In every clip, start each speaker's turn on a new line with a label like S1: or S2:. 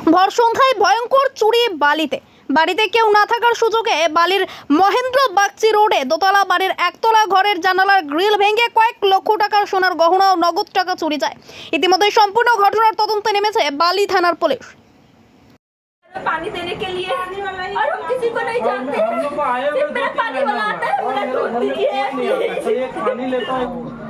S1: ভর সন্ধ্যায় ভয়ঙ্কর চুরি বালিতে। বাড়িতে কেউ না থাকার সুযোগে বালির মহেন্দ্র বাগচি রোডে দোতলা বাড়ির একতলা ঘরের জানালার গ্রিল ভেঙে কয়েক লক্ষ টাকার সোনার গহনা ও নগদ টাকা চুরি যায়। ইতিমধ্যে সম্পূর্ণ ঘটনার তদন্তে নেমেছে বালি থানার পুলিশ।
S2: पानी देने के लिए और हम किसी को नहीं जानते हैं। सिर्फ मेरा पानी वाला आता है, बोला दूध दीजिए।
S3: पानी लेता है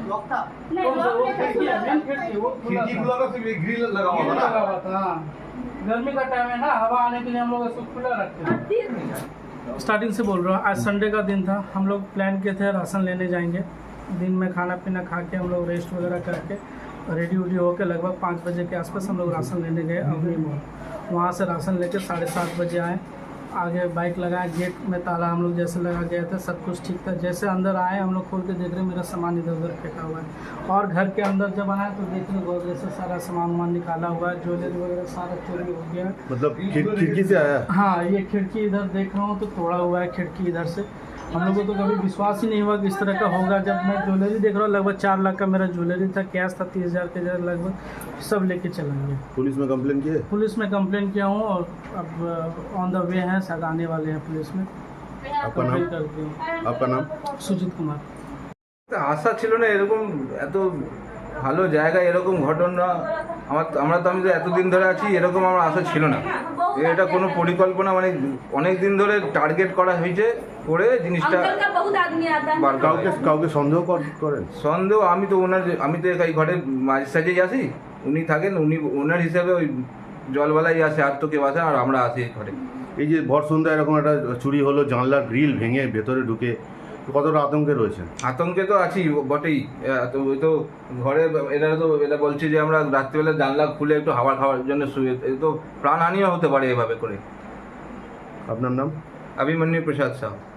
S4: खिड़की खुला था, सिर्फ एक ग्रिल लगा हुआ था ना।
S3: गर्मी का टाइम है ना, हवा आने के लिए हम लोग इसको खुला रखते हैं। स्टार्टिंग से बोल रहा हूँ, आज संडे का दिन था। हम लोग प्लान किए थे राशन लेने जाएंगे। दिन में खाना पीना खा के हम लोग रेस्ट वगैरह करके रेडी उडी होकर लगभग 5 बजे के आसपास हम लोग राशन लेने गए अवनी मोड़। वहाँ से राशन लेके 7:30 बजे आए। आगे बाइक लगाए, गेट में ताला हम लोग जैसे लगा गए थे, सब कुछ ठीक था। जैसे अंदर आए हम लोग खोल के देख रहे मेरा सामान इधर उधर फेंका हुआ है। और घर के अंदर जब आए तो देख रहे गोदरेज से सारा सामान वामान निकाला हुआ है, ज्वेलरी वगैरह सारा चोरी हो गया है।
S4: मतलब खिड़की से आया।
S3: हाँ, ये खिड़की इधर देख रहा हूँ तो तोड़ा हुआ है खिड़की इधर से। हम लोगों को तो कभी विश्वास ही नहीं हुआ कि इस तरह का होगा। जब मैं ज्वेलरी देख रहा हूँ, लगभग 4 लाख का मेरा ज्वेलरी था, कैश था 30,000 के लगभग, सब लेके चला गया।
S4: पुलिस में कंप्लेन किए?
S3: पुलिस में कंप्लेन किया हूँ और अब ऑन द वे हैं, शायद आने वाले हैं पुलिस में।
S4: आपका नाम? आपका नाम?
S3: সুজিত কুমার।
S5: আশা ছিল না এরকম এত ভালো জায়গা, এরকম ঘটনা আমরা তো আমি তো এতদিন ধরে আছি, এরকম আমার আশা ছিল না। এটা কোনো পরিকল্পনা, মানে অনেক দিন ধরে টার্গেট করা হয়েছে করে জিনিসটা।
S2: अंकल का बहुत आदमी आता है।
S4: কাউকে সন্দেহ করেন?
S5: সন্দেহ আমি তো এই ঘরের মাঝে সাজেই আসি, উনি থাকেন, উনি ওনার হিসাবে ওই জলবালাই আসে, আর তো কেউ আসে, আর আমরা আসি ঘরে।
S4: এই যে ভর সন্ধ্যায় এরকম একটা চুরি হলো, জানলার গ্রিল ভেঙে ভেতরে ঢুকে, কতটা আতঙ্কে রয়েছেন?
S5: আতঙ্কে তো আছি বটেই। তো ওই তো ঘরে এটা বলছে যে আমরা রাত্রিবেলা জানলা খুলে একটু হাওয়া খাওয়ার জন্য শুয়ে, এই তো প্রাণহানিও হতে পারে এভাবে করে।
S4: আপনার নাম?
S5: अभिमन्यु प्रसाद साहब।